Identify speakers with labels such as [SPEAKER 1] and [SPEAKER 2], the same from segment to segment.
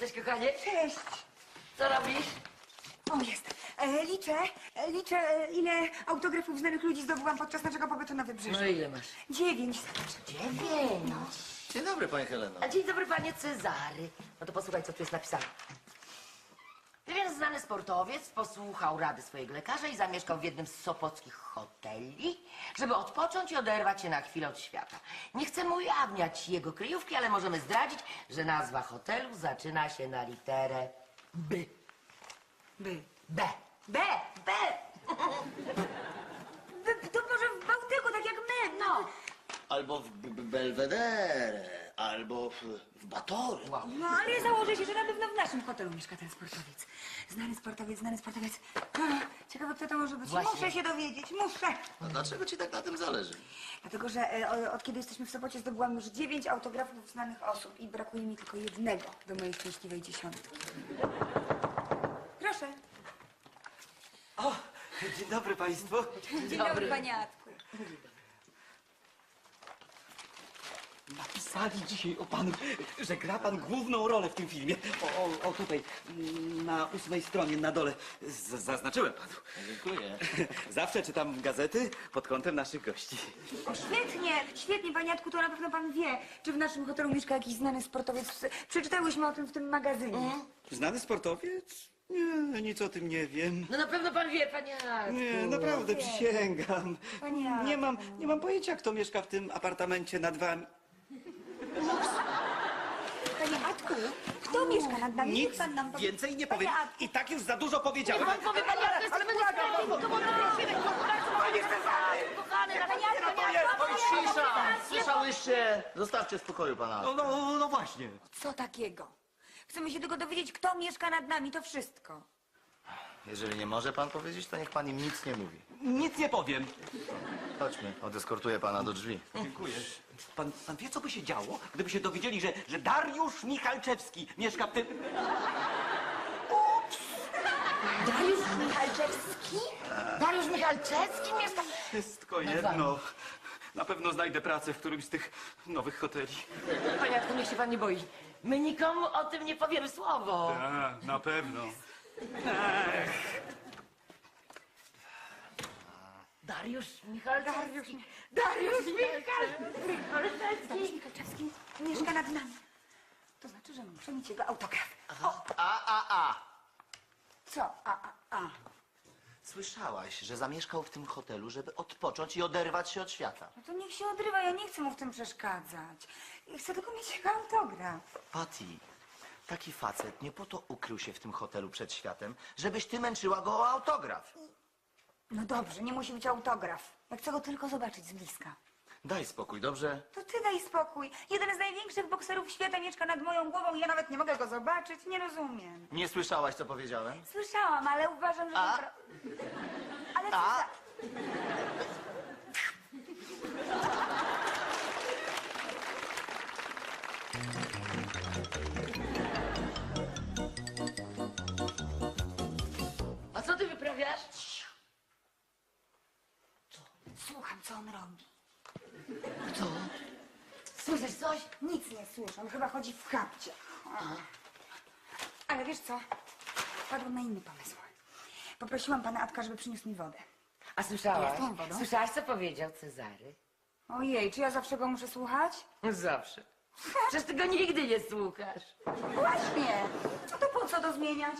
[SPEAKER 1] Cześć, kochanie.
[SPEAKER 2] Cześć.
[SPEAKER 1] Co robisz?
[SPEAKER 2] O, jest. Liczę, ile autografów znanych ludzi zdobyłam podczas naszego pobytu na Wybrzeżu.
[SPEAKER 1] No ile masz?
[SPEAKER 2] 9.
[SPEAKER 1] 9.
[SPEAKER 3] Dzień dobry, pani Heleno.
[SPEAKER 1] A dzień dobry, panie Cezary. No to posłuchaj, co tu jest napisane. Pewien znany sportowiec posłuchał rady swojego lekarza i zamieszkał w jednym z sopockich hoteli, żeby odpocząć i oderwać się na chwilę od świata. Nie chcemy ujawniać jego kryjówki, ale możemy zdradzić, że nazwa hotelu zaczyna się na literę B.
[SPEAKER 2] By.
[SPEAKER 1] B.
[SPEAKER 2] B.
[SPEAKER 1] B.
[SPEAKER 2] To może w Bałtyku, tak jak my.
[SPEAKER 1] No.
[SPEAKER 3] Albo w Belvedere, albo w Batory.
[SPEAKER 1] Wow.
[SPEAKER 2] No, ale ja założę się, że na pewno w naszym hotelu mieszka ten sportowiec. Znany sportowiec. Ciekawe, kto to może być.
[SPEAKER 1] Właśnie.
[SPEAKER 2] Muszę się dowiedzieć, muszę.
[SPEAKER 3] A dlaczego ci tak na tym zależy?
[SPEAKER 2] Dlatego, że od kiedy jesteśmy w Sopocie zdobyłam już 9 autografów znanych osób i brakuje mi tylko jednego do mojej szczęśliwej 10. Proszę.
[SPEAKER 4] O, dzień dobry państwu.
[SPEAKER 2] Dzień dobry, panie Atku.
[SPEAKER 4] Napisali dzisiaj o panu, że gra pan główną rolę w tym filmie. O tutaj, na 8 stronie, na dole. Zaznaczyłem panu.
[SPEAKER 3] Dziękuję.
[SPEAKER 4] Zawsze czytam gazety pod kątem naszych gości.
[SPEAKER 2] O, świetnie, panie Atku, to na pewno pan wie, czy w naszym hotelu mieszka jakiś znany sportowiec. Przeczytałyśmy o tym w tym magazynie.
[SPEAKER 4] Znany sportowiec? Nie, nic o tym nie wiem.
[SPEAKER 1] No na pewno pan wie, panie Jacku.
[SPEAKER 4] Nie, naprawdę przysięgam.
[SPEAKER 2] Panie Jacku.
[SPEAKER 4] Nie mam pojęcia, kto mieszka w tym apartamencie nad wami.
[SPEAKER 2] Panie Atku, kto mieszka nad nami? Niech
[SPEAKER 4] Nic
[SPEAKER 2] pan nam powie.
[SPEAKER 4] więcej nie
[SPEAKER 2] Panie
[SPEAKER 4] powiem.
[SPEAKER 2] Atku.
[SPEAKER 4] I tak już za dużo powiedziałem.
[SPEAKER 1] Pan powie, panie Jacku, jesteśmy niesprawiedliwi. To można prosimy. Panie Cezary. Kochany, panie Jacku.
[SPEAKER 3] Oj, cisza! Słyszałyście? Zostawcie w spokoju pana.
[SPEAKER 4] No właśnie.
[SPEAKER 2] Co takiego? Chcemy się tylko dowiedzieć, kto mieszka nad nami, to wszystko.
[SPEAKER 3] Jeżeli nie może pan powiedzieć, to niech pan im nic nie mówi.
[SPEAKER 4] Nic nie powiem.
[SPEAKER 3] Chodźmy, odeskortuję pana do drzwi.
[SPEAKER 4] Dziękuję. Pan wie, co by się działo, gdyby się dowiedzieli, że Dariusz Michalczewski mieszka w tym...
[SPEAKER 1] Dariusz Michalczewski? Dariusz Michalczewski mieszka...
[SPEAKER 4] Wszystko jedno. Na pewno znajdę pracę w którymś z tych nowych hoteli.
[SPEAKER 1] Panie Jacku, niech się pan nie boi. My nikomu o tym nie powiemy słowo.
[SPEAKER 4] A, na pewno.
[SPEAKER 1] Dariusz Michalczewski. Dariusz Michalczewski.
[SPEAKER 2] Michalczewski mieszka nad nami. To znaczy, że muszę mieć jego autograf. Co?
[SPEAKER 3] Słyszałaś, że zamieszkał w tym hotelu, żeby odpocząć i oderwać się od świata.
[SPEAKER 2] No to niech się odrywa, ja nie chcę mu w tym przeszkadzać. Chcę tylko mieć jego autograf.
[SPEAKER 3] Patty, taki facet nie po to ukrył się w tym hotelu przed światem, żebyś ty męczyła go o autograf.
[SPEAKER 2] No dobrze, nie musi być autograf. Ja chcę go tylko zobaczyć z bliska.
[SPEAKER 3] Daj spokój, dobrze?
[SPEAKER 2] To ty daj spokój. Jeden z największych bokserów świata mieszka nad moją głową i ja nawet nie mogę go zobaczyć. Nie rozumiem.
[SPEAKER 3] Nie słyszałaś, co powiedziałem?
[SPEAKER 2] Słyszałam, ale uważam, że... Ale co za...
[SPEAKER 1] A co ty wyprawiasz?
[SPEAKER 2] Słucham, co on robi.
[SPEAKER 1] Co? Słyszysz coś?
[SPEAKER 2] Nic nie słyszę, on chyba chodzi w kapcie. Ale wiesz co? Wpadłam na inny pomysł. Poprosiłam pana Atka, żeby przyniósł mi wodę.
[SPEAKER 1] A słyszałaś?
[SPEAKER 2] Jaką wodą?
[SPEAKER 1] Słyszałaś, co powiedział Cezary?
[SPEAKER 2] Ojej, czy ja zawsze go muszę słuchać?
[SPEAKER 1] Zawsze. Przecież ty go nigdy nie słuchasz.
[SPEAKER 2] Właśnie. No to po co to zmieniać?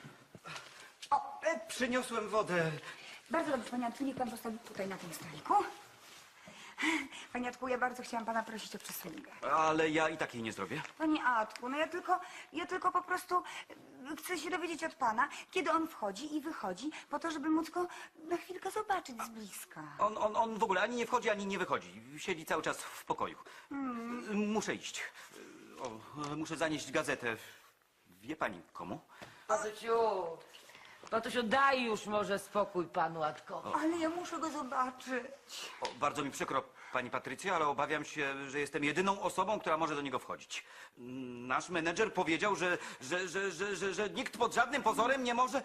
[SPEAKER 4] Przyniosłem wodę.
[SPEAKER 2] Bardzo dobrze, panie Atku, niech pan postawi tutaj na tym stoliku. Panie Atku, ja bardzo chciałam pana prosić o przysługę.
[SPEAKER 4] Ale ja i tak jej nie zrobię.
[SPEAKER 2] Panie Atku, no ja tylko po prostu chcę się dowiedzieć od pana, kiedy on wchodzi i wychodzi, po to, żeby móc go na chwilkę zobaczyć z bliska.
[SPEAKER 4] On w ogóle ani nie wchodzi, ani nie wychodzi. Siedzi cały czas w pokoju. Muszę iść. Muszę zanieść gazetę. Wie pani komu?
[SPEAKER 1] Patusiu, daj już może spokój panu Atkowi.
[SPEAKER 2] Ale ja muszę go zobaczyć.
[SPEAKER 4] Bardzo mi przykro, pani Patrycja, ale obawiam się, że jestem jedyną osobą, która może do niego wchodzić. Nasz menedżer powiedział, że nikt pod żadnym pozorem nie może...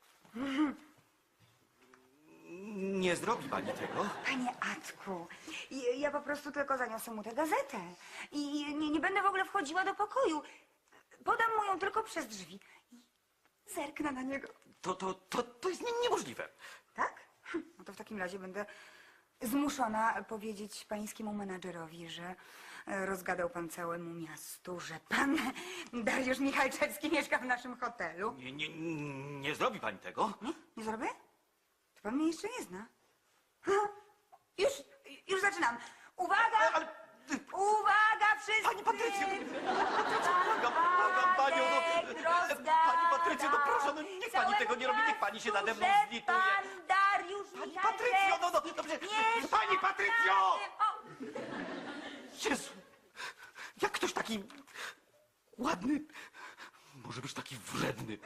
[SPEAKER 4] Nie zrobi pani tego?
[SPEAKER 2] Panie Atku, ja po prostu tylko zaniosę mu tę gazetę. I nie będę w ogóle wchodziła do pokoju. Podam mu ją tylko przez drzwi i zerknę na niego.
[SPEAKER 4] To jest niemożliwe.
[SPEAKER 2] Tak? No to w takim razie będę zmuszona powiedzieć pańskiemu menadżerowi, że rozgadał pan całemu miastu, że pan Dariusz Michalczewski mieszka w naszym hotelu.
[SPEAKER 4] Nie zrobi pani tego.
[SPEAKER 2] Nie? Nie zrobię? To pan mnie jeszcze nie zna. Ha, już zaczynam. Uwaga!
[SPEAKER 4] Ale...
[SPEAKER 2] Uwaga wszyscy!
[SPEAKER 4] Pani Patrycjo! Błagam panią, pani Patrycjo, no proszę, no niech pani tego nie robi, niech pani się nade mną zlituje.
[SPEAKER 2] Pan Dariusz
[SPEAKER 4] Pani
[SPEAKER 2] Michalczewski
[SPEAKER 4] Patrycjo, no dobrze.
[SPEAKER 2] mieszka
[SPEAKER 4] Pani Patrycjo!
[SPEAKER 2] w naszym-
[SPEAKER 4] Jezu, jak ktoś taki ładny może być taki wredny?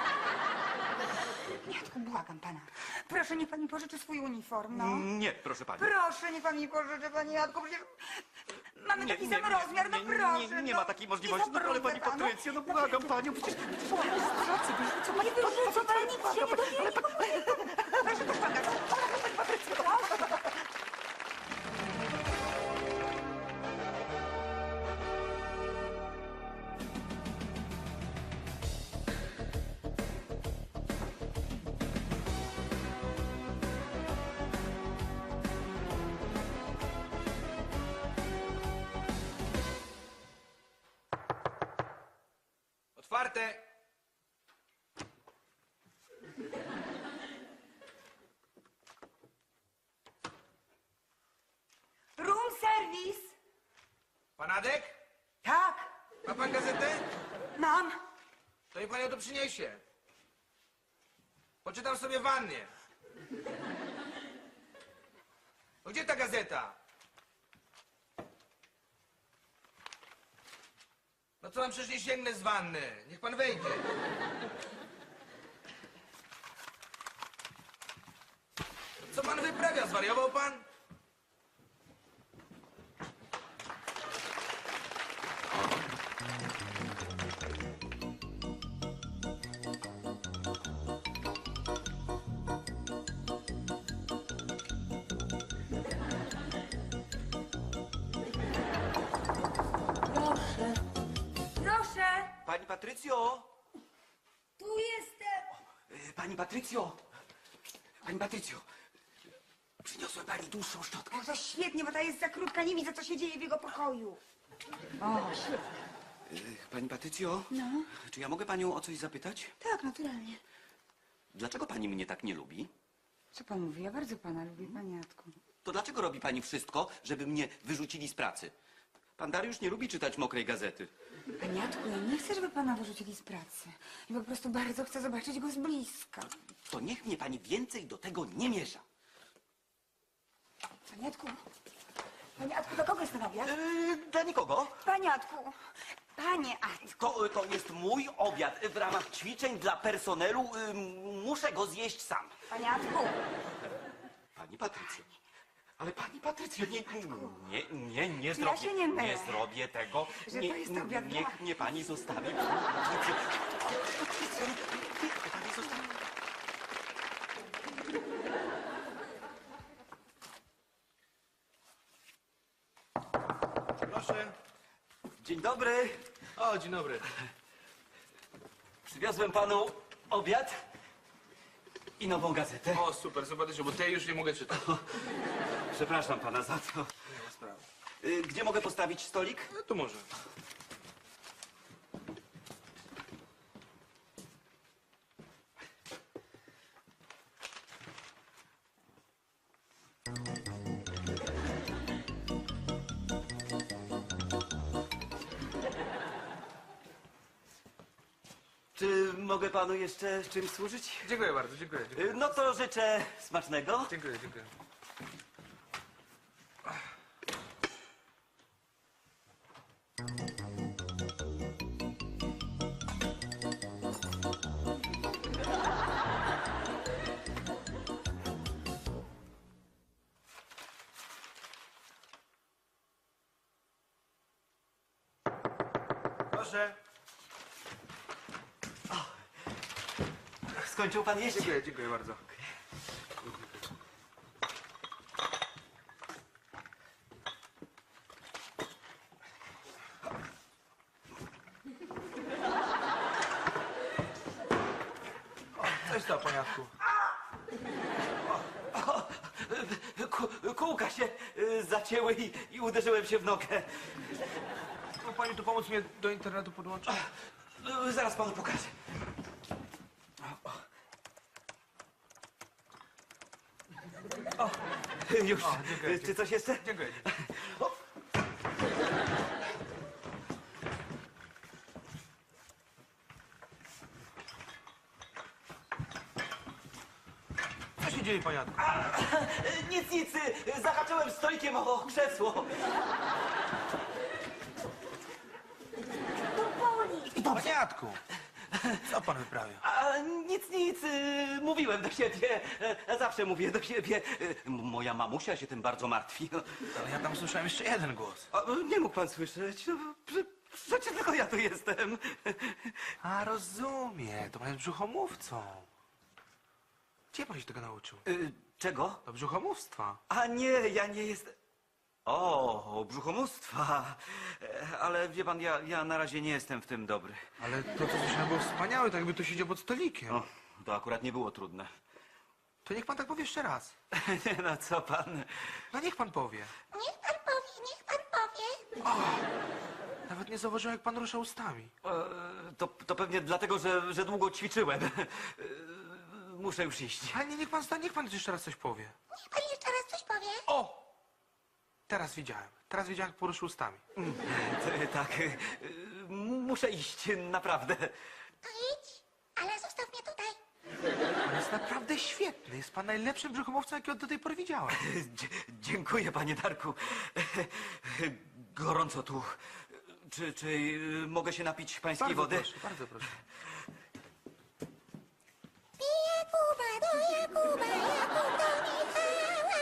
[SPEAKER 2] Jacku, błagam pana. Proszę, niech pan mi pożyczy swój uniform, no.
[SPEAKER 4] Nie, proszę pani.
[SPEAKER 2] Proszę, niech pan mi pożyczy, panie Jacku, przecież mamy taki sam rozmiar, no proszę.
[SPEAKER 4] Nie ma takiej możliwości, no ale pani Patrycjo, no błagam panią, przecież...
[SPEAKER 2] Co pani wyrzuca, pani nic się nie dowiedział. Proszę to ściągać. Pani Patrycjo, proszę.
[SPEAKER 5] Otwarte!
[SPEAKER 2] Room service.
[SPEAKER 5] Pan Adek?
[SPEAKER 2] Tak,
[SPEAKER 5] Ma pan gazetę?
[SPEAKER 2] mam.
[SPEAKER 5] To niech pan ją tu przyniesie. Poczytam sobie w wannie. No gdzie ta gazeta? No co mam przecież nie sięgnę z wanny? Niech pan wejdzie. Co pan wyprawia? Zwariował pan?
[SPEAKER 2] Proszę. Proszę.
[SPEAKER 4] Pani Patrycjo!
[SPEAKER 2] Tu jestem.
[SPEAKER 4] Pani Patrycjo! Pani Patrycjo! Przyniosłem pani dłuższą szczotkę.
[SPEAKER 2] O, to świetnie, bo ta jest za krótka, nie widzę, co się dzieje w jego pokoju. O, świetnie.
[SPEAKER 4] Pani Patrycjo?
[SPEAKER 2] No.
[SPEAKER 4] Czy ja mogę panią o coś zapytać?
[SPEAKER 2] Tak, naturalnie.
[SPEAKER 4] Dlaczego pani mnie tak nie lubi?
[SPEAKER 2] Co pan mówi? Ja bardzo pana lubię, panie Jacku.
[SPEAKER 4] To dlaczego robi pani wszystko, żeby mnie wyrzucili z pracy? Pan Dariusz nie lubi czytać mokrej gazety.
[SPEAKER 2] Panie Jacku, ja nie chcę, żeby pana wyrzucili z pracy. I po prostu bardzo chcę zobaczyć go z bliska.
[SPEAKER 4] To niech mnie pani więcej do tego nie miesza.
[SPEAKER 2] Panie Jacku, do kogo jest ten obiad?
[SPEAKER 4] Dla nikogo.
[SPEAKER 2] Panie Jacku, panie Jacku.
[SPEAKER 4] To jest mój obiad. W ramach ćwiczeń dla personelu muszę go zjeść sam.
[SPEAKER 2] Panie Jacku.
[SPEAKER 4] Pani Patrycjo. Ale pani Patrycjo, nie
[SPEAKER 2] Ja
[SPEAKER 4] zrobię.
[SPEAKER 2] się nie mylę.
[SPEAKER 4] Nie zrobię tego.
[SPEAKER 2] Że to jest obiad dla-
[SPEAKER 4] Niech mnie pani zostawi. Patrycjo, niech mnie pani zostawi.
[SPEAKER 5] Proszę.
[SPEAKER 4] Dzień dobry.
[SPEAKER 5] O, dzień dobry.
[SPEAKER 4] Przywiozłem panu obiad i nową gazetę.
[SPEAKER 5] O, super, zobaczycie, bo tej już nie mogę czytać.
[SPEAKER 4] Przepraszam pana za to.
[SPEAKER 5] Nie ma sprawy.
[SPEAKER 4] Gdzie mogę postawić stolik?
[SPEAKER 5] No tu może.
[SPEAKER 4] Czy mogę panu jeszcze czymś służyć?
[SPEAKER 5] Dziękuję bardzo, dziękuję.
[SPEAKER 4] No to życzę smacznego.
[SPEAKER 5] Dziękuję, dziękuję. Proszę.
[SPEAKER 4] Skończył pan jeść?
[SPEAKER 5] Dziękuję, dziękuję bardzo. się stało, paniatku?
[SPEAKER 4] Kółka się zacięły i uderzyłem się w nogę.
[SPEAKER 5] Mógł pani tu pomóc mnie do internetu podłączyć?
[SPEAKER 4] Zaraz panu pokażę. O, już.
[SPEAKER 5] dziękuję.
[SPEAKER 4] Czy coś jeszcze?
[SPEAKER 5] Dziękuję. Co się dzieje, paniatku?
[SPEAKER 4] Nic. Zahaczyłem stolikiem o krzesło.
[SPEAKER 5] Paniatku! Co pan wyprawia?
[SPEAKER 4] A, nic. Mówiłem do siebie. Zawsze mówię do siebie. Moja mamusia się tym bardzo martwi.
[SPEAKER 5] Ale ja tam słyszałem jeszcze jeden głos.
[SPEAKER 4] A, nie mógł pan słyszeć. No, przecież tylko ja tu jestem.
[SPEAKER 5] A, rozumiem. To pan jest brzuchomówcą. Gdzie pan się tego nauczył?
[SPEAKER 4] Czego?
[SPEAKER 5] Do brzuchomówstwa.
[SPEAKER 4] A nie, ja nie jestem... O, brzuchomóstwa. Ale wie pan, ja na razie nie jestem w tym dobry.
[SPEAKER 5] Ale to, co słyszałem, było wspaniałe, tak jakby tu siedział pod stolikiem.
[SPEAKER 4] O, to akurat nie było trudne.
[SPEAKER 5] To niech pan tak powie jeszcze raz.
[SPEAKER 4] Nie no, co pan?
[SPEAKER 5] No niech pan powie.
[SPEAKER 6] Niech pan powie.
[SPEAKER 5] Nawet nie zauważyłem, jak pan rusza ustami.
[SPEAKER 4] To pewnie dlatego, że długo ćwiczyłem. Muszę już iść.
[SPEAKER 5] Ale nie, niech pan jeszcze raz coś powie.
[SPEAKER 6] Niech pan jeszcze raz coś powie.
[SPEAKER 5] O! Teraz widziałem, jak poruszył ustami.
[SPEAKER 4] Tak, muszę iść, naprawdę.
[SPEAKER 6] To idź, ale zostaw mnie tutaj.
[SPEAKER 5] Pan jest naprawdę świetny. Jest pan najlepszym brzuchomówcą, jakiego do tej pory widziałem.
[SPEAKER 4] Dziękuję, panie Darku. Gorąco tu. Czy mogę się napić pańskiej
[SPEAKER 5] Bardzo
[SPEAKER 4] wody?
[SPEAKER 5] proszę, bardzo proszę.
[SPEAKER 6] Pije Kuba do Jakuba, Jakub do Michała.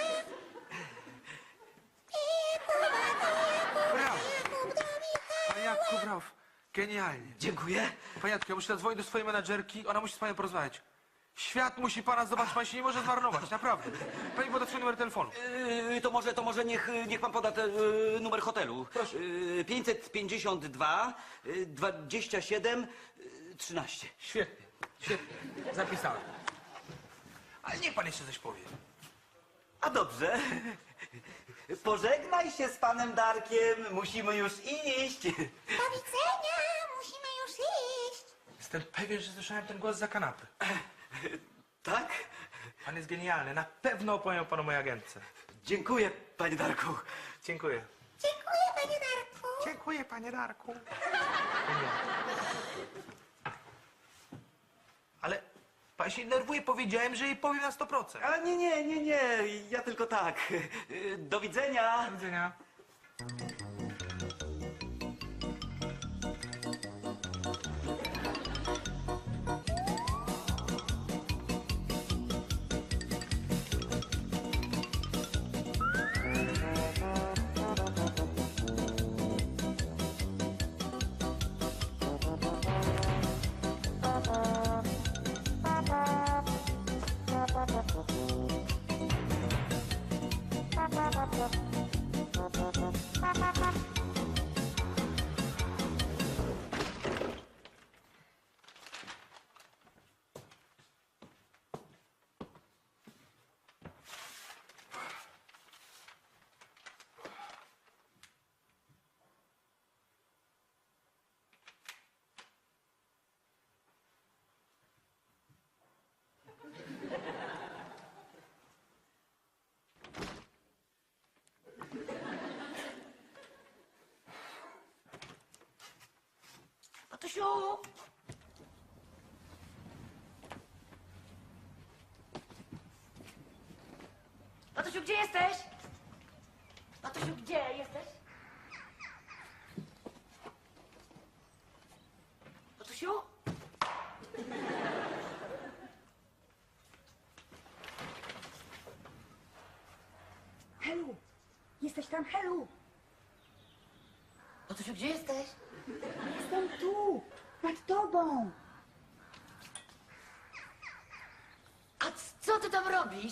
[SPEAKER 6] Pije Kuba do Jakuba,
[SPEAKER 5] Brawo!
[SPEAKER 6] Jakub do Michała.
[SPEAKER 5] Panie Jacku, brawo. Genialnie.
[SPEAKER 4] Dziękuję.
[SPEAKER 5] Panie Jacku, ja muszę zadzwonić do swojej menadżerki. Ona musi z panem porozmawiać. Świat musi pana zobaczyć, pan się nie może zmarnować, naprawdę. Pani poda swój numer telefonu.
[SPEAKER 4] To może niech pan poda numer hotelu.
[SPEAKER 5] Proszę.
[SPEAKER 4] 552 27 13.
[SPEAKER 5] Świetnie, świetnie. Zapisałem. Ale niech pan jeszcze coś powie.
[SPEAKER 4] A dobrze. Pożegnaj się z panem Darkiem. Musimy już iść.
[SPEAKER 6] Do widzenia, musimy już iść.
[SPEAKER 5] Jestem pewien, że słyszałem ten głos za kanapy.
[SPEAKER 4] Tak?
[SPEAKER 5] Pan jest genialny. Na pewno opowiem panu mojej agentce.
[SPEAKER 4] Dziękuję, panie Darku.
[SPEAKER 5] Dziękuję.
[SPEAKER 6] Dziękuję, panie Darku.
[SPEAKER 5] Dziękuję, panie Darku. Ale pan się nerwuje, powiedziałem, że jej powiem na 100%.
[SPEAKER 4] Ale nie. Ja tylko tak. Do widzenia.
[SPEAKER 5] Do widzenia.
[SPEAKER 1] Tatusiu! Tatusiu, gdzie jesteś? Tatusiu, gdzie jesteś? Tatusiu?
[SPEAKER 2] Helu! Jesteś tam, Helu!
[SPEAKER 1] Tatusiu, gdzie jesteś?
[SPEAKER 2] Jestem tu! Nad tobą!
[SPEAKER 1] A co ty tam robisz?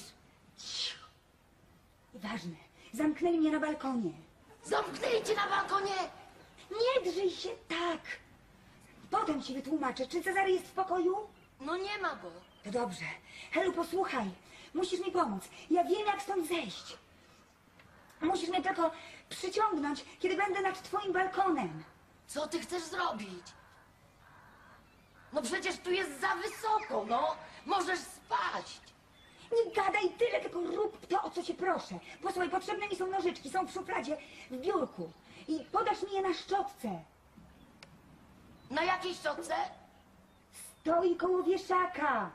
[SPEAKER 2] Ważne. Zamknęli mnie na balkonie.
[SPEAKER 1] Zamknęli cię na balkonie!
[SPEAKER 2] Nie drzyj się tak! Potem ci wytłumaczę, czy Cezary jest w pokoju?
[SPEAKER 1] No nie ma go.
[SPEAKER 2] To dobrze. Helu, posłuchaj. Musisz mi pomóc. Ja wiem, jak stąd zejść. Musisz mnie tylko przyciągnąć, kiedy będę nad twoim balkonem.
[SPEAKER 1] Co ty chcesz zrobić? No przecież tu jest za wysoko, no. Możesz spaść.
[SPEAKER 2] Nie gadaj tyle, tylko rób to, o co cię proszę. Posłuchaj, potrzebne mi są nożyczki, są w szufladzie, w biurku. I podasz mi je na szczotce.
[SPEAKER 1] Na jakiej szczotce?
[SPEAKER 2] Stoi koło wieszaka.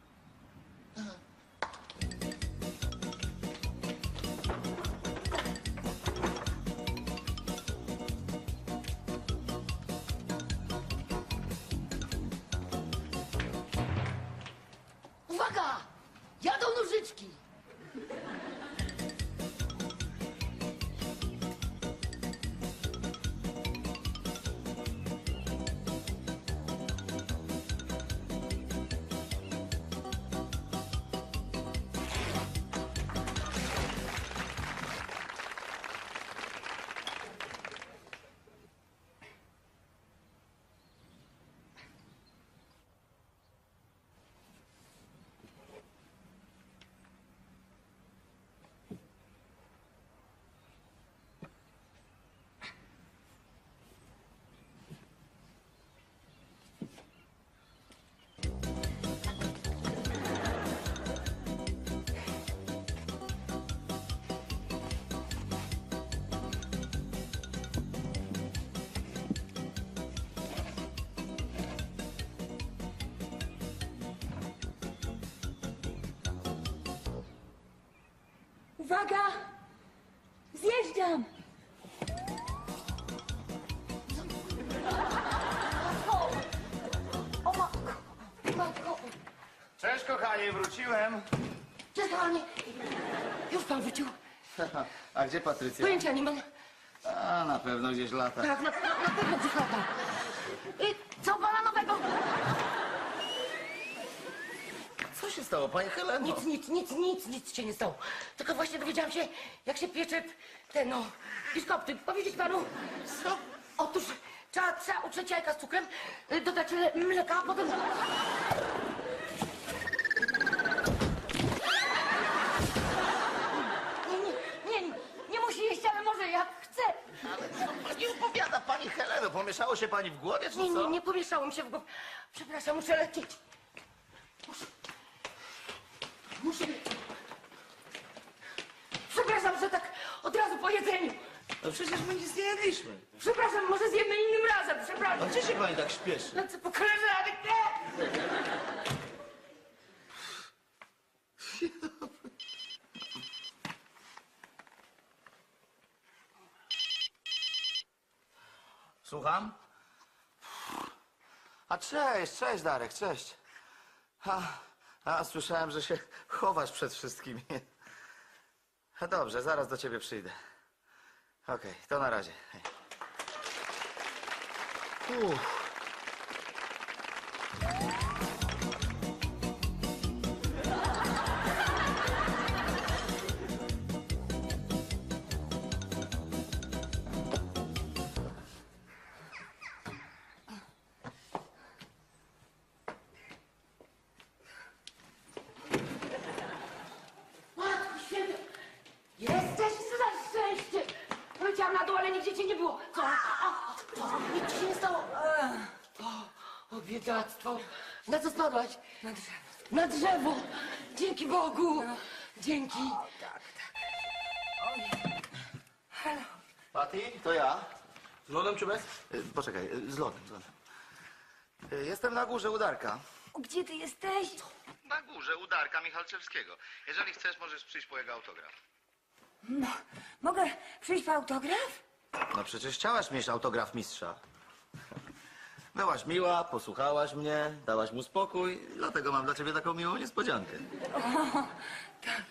[SPEAKER 1] Uwaga! Jadą nożyczki.
[SPEAKER 2] Uwaga! Zjeżdżam!
[SPEAKER 1] O matko, matko.
[SPEAKER 3] Cześć, kochanie, wróciłem.
[SPEAKER 1] Cześć, kochanie. Już pan wrócił.
[SPEAKER 3] A gdzie Patrycja?
[SPEAKER 1] Pojęcia nie mam.
[SPEAKER 3] A, na pewno gdzieś lata.
[SPEAKER 1] Tak, na pewno gdzieś lata. Co pana nowego?
[SPEAKER 3] Co się stało, pani Heleno?
[SPEAKER 1] Nic się nie stało. Tylko właśnie dowiedziałam się, jak się piecze te, no, biszkopty. Powiedzieć panu?
[SPEAKER 3] Co?
[SPEAKER 1] Otóż trzeba utrzeć jajka z cukrem, dodać mleka, a potem... Nie musi jeść, ale może jak chce.
[SPEAKER 3] Ale co pani opowiada, pani Heleno? Pomieszało się pani w głowie, czy co?
[SPEAKER 1] Nie pomieszało mi się w głowie. Przepraszam, muszę lecieć. Muszę lecieć. Przepraszam, że tak od razu po jedzeniu.
[SPEAKER 3] No przecież my nic nie jedliśmy.
[SPEAKER 1] Przepraszam, może zjemy innym razem,
[SPEAKER 3] A
[SPEAKER 1] przepraszam.
[SPEAKER 3] gdzie się pani tak śpieszy?
[SPEAKER 1] Lecę po koleżanek, nie!
[SPEAKER 3] Słucham? A cześć Darek, cześć. Słyszałem, że się chowasz przed wszystkimi. A dobrze, zaraz do ciebie przyjdę. Okej, to na razie. Hej. Uff.
[SPEAKER 1] Matko święta, jesteś za szczęście. Poleciałam na dół, ale nigdzie cię nie było. Co? Nic ci się nie stało. O, biedactwo. Na co spadłaś?
[SPEAKER 2] Na drzewo.
[SPEAKER 1] Na drzewo. Dzięki Bogu. Dzięki.
[SPEAKER 2] Halo.
[SPEAKER 3] Patty, to ja.
[SPEAKER 5] Z lodem czy bez?
[SPEAKER 3] Poczekaj, z lodem. Jestem na górze u Darka.
[SPEAKER 2] Gdzie ty jesteś?
[SPEAKER 3] Na górze u Darka Michalczewskiego. Jeżeli chcesz, możesz przyjść po jego autograf.
[SPEAKER 2] No, mogę przyjść po autograf?
[SPEAKER 3] No przecież chciałaś mieć autograf mistrza. Byłaś miła, posłuchałaś mnie, dałaś mu spokój, dlatego mam dla ciebie taką miłą niespodziankę.
[SPEAKER 2] Tak.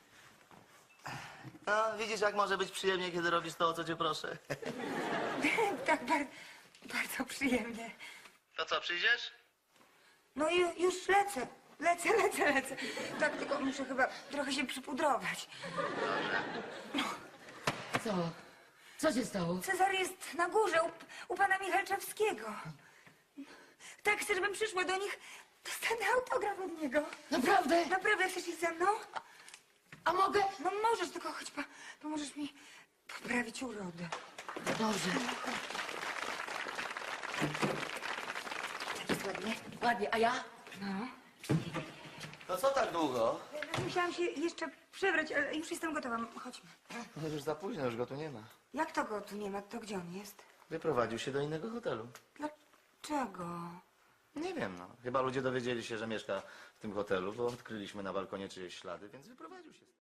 [SPEAKER 3] No, widzisz, jak może być przyjemnie, kiedy robisz to, o co cię proszę.
[SPEAKER 2] Tak, bardzo przyjemnie.
[SPEAKER 3] To co, przyjdziesz?
[SPEAKER 2] No i już lecę. Lecę. Tak, tylko muszę chyba trochę się przypudrować.
[SPEAKER 1] Co? Co się stało?
[SPEAKER 2] Cezar jest na górze u pana Michalczewskiego. Tak, chcę, żebym przyszła do nich Dostanę autograf od niego.
[SPEAKER 1] Naprawdę?
[SPEAKER 2] Naprawdę chcesz iść ze mną?
[SPEAKER 1] A mogę?
[SPEAKER 2] No możesz, tylko chodź, pomożesz mi poprawić urodę.
[SPEAKER 1] No dobrze. Tak jest ładnie? Ładnie, a ja?
[SPEAKER 2] No.
[SPEAKER 3] To co tak długo?
[SPEAKER 2] Musiałam się jeszcze przebrać, ale już jestem gotowa. Chodźmy.
[SPEAKER 3] No już za późno, już go tu nie ma.
[SPEAKER 2] Jak to go tu nie ma? To gdzie on jest?
[SPEAKER 3] Wyprowadził się do innego hotelu.
[SPEAKER 2] Dlaczego?
[SPEAKER 3] Nie wiem, no. Chyba ludzie dowiedzieli się, że mieszka w tym hotelu, bo odkryliśmy na balkonie czyjeś ślady, więc wyprowadził się.